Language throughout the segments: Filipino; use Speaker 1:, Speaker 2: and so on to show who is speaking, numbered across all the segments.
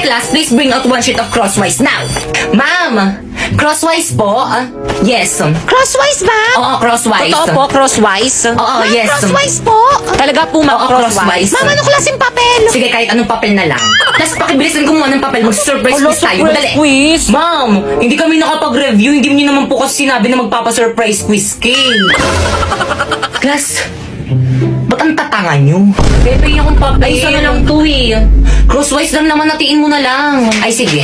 Speaker 1: class, please bring out one sheet of crosswise now. Ma'am, crosswise po? Yes.
Speaker 2: Crosswise, ma'am?
Speaker 1: Oo, crosswise.
Speaker 2: Totoo po, crosswise?
Speaker 1: Oo,
Speaker 2: Ma'am,
Speaker 1: yes.
Speaker 2: crosswise po? Talaga po, ma'am,
Speaker 1: Oo, crosswise.
Speaker 2: Ma'am, anong klaseng papel?
Speaker 1: Sige, kahit anong papel na lang. Tapos pakibilisan kumuha ng papel, mag-surprise quiz tayo. Madali.
Speaker 2: quiz?
Speaker 1: Ma'am, hindi kami nakapag-review. Hindi niyo naman po kasi sinabi na magpapa-surprise quiz cake. Class, ba't ang tatanga nyo? Bebe, yung papel. Ay, isa na lang to eh. Crosswise lang naman, natiin mo na lang. Ay, sige.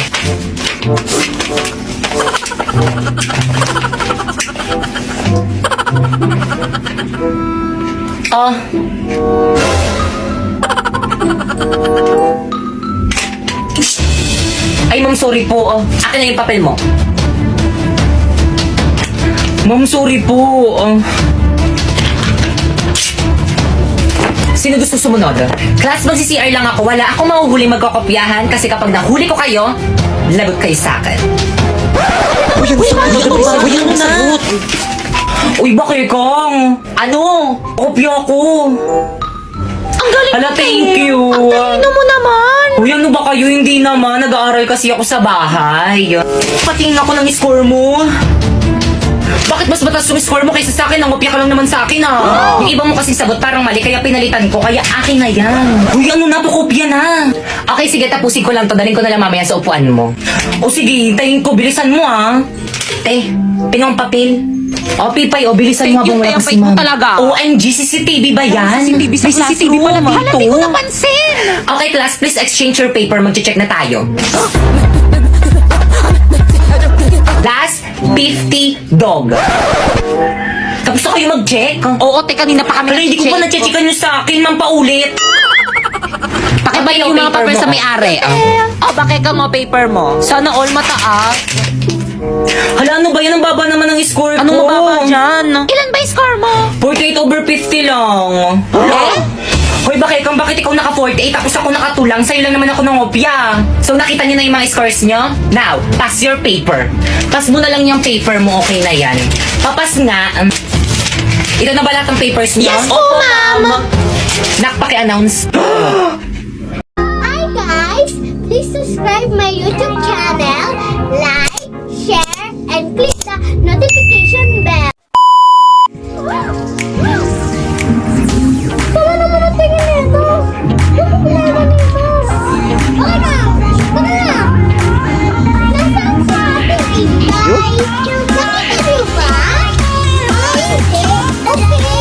Speaker 1: Oh. Ay, ma'am, sorry po. Akin na yung papel mo. Ma'am, sorry po. Sino gusto sumunod? Class, magsi-CR lang ako. Wala akong mahuhuli magkakopyahan kasi kapag nahuli ko kayo, lagot kayo sa akin.
Speaker 2: Uy, ano na?
Speaker 1: Uy, bakit kang? Ano? Kopya ko.
Speaker 2: Ang galing
Speaker 1: Hala,
Speaker 2: mo,
Speaker 1: thank
Speaker 2: eh.
Speaker 1: you.
Speaker 2: Ang talino mo naman.
Speaker 1: Uy, ano ba kayo? Hindi naman. Nag-aaral kasi ako sa bahay. Patingin ako ng score mo. Bakit mas mataas yung score mo kaysa sa akin? Nangopya ka lang naman sa akin, ah. Yung iba mo kasing sagot parang mali, kaya pinalitan ko. Kaya akin na yan. Uy, ano na? Pakopya na. Okay, sige, tapusin ko lang to. Daling ko na lang mamaya sa upuan mo. O sige, hintayin ko. Bilisan mo, ah. Pinong papel. O, Pipay, o, bilisan mo
Speaker 2: Thank you,
Speaker 1: habang wala
Speaker 2: Pipay,
Speaker 1: kasi ma'am.
Speaker 2: mo talaga.
Speaker 1: OMG, CCTV ba yan?
Speaker 2: CCTV sa
Speaker 1: May CCTV
Speaker 2: classroom.
Speaker 1: pala
Speaker 2: Hala,
Speaker 1: dito.
Speaker 2: di ko napansin.
Speaker 1: Okay, class, please exchange your paper. Mag-check na tayo. Last 50 dog. Tapos na kayo mag-check?
Speaker 2: Oo, kanina pa kami
Speaker 1: Pero hindi ko pa na-checkan nyo sa akin, ma'am, paulit.
Speaker 2: Pakibay yung mga papel sa may-ari. Bakit ka mo paper mo? Sana all mataas.
Speaker 1: Hala, ano ba yan? Ang baba naman ng score ko.
Speaker 2: Anong mababa dyan? Ilan ba yung score mo?
Speaker 1: 48/50 lang. Hoy, bakit ikaw naka-48 tapos ako nakatulang? Sa'yo lang naman ako nangopya. So, nakita niyo na yung mga scores niyo? Now, pass your paper. Pass mo na lang yung paper mo, okay na yan. Papas nga. Ito na ba lahat ng papers niyo?
Speaker 2: Yes po, ma'am.
Speaker 1: Nakpaki-announce.
Speaker 3: Hi guys! Please subscribe my YouTube channel, like, share, and click the notification bell. Tama naman ang tingin nito! Yung problema nito! Okay na! Tara na! Nasaan sa ating Inday? Nakita niyo ba? Ay, hindi! Okay!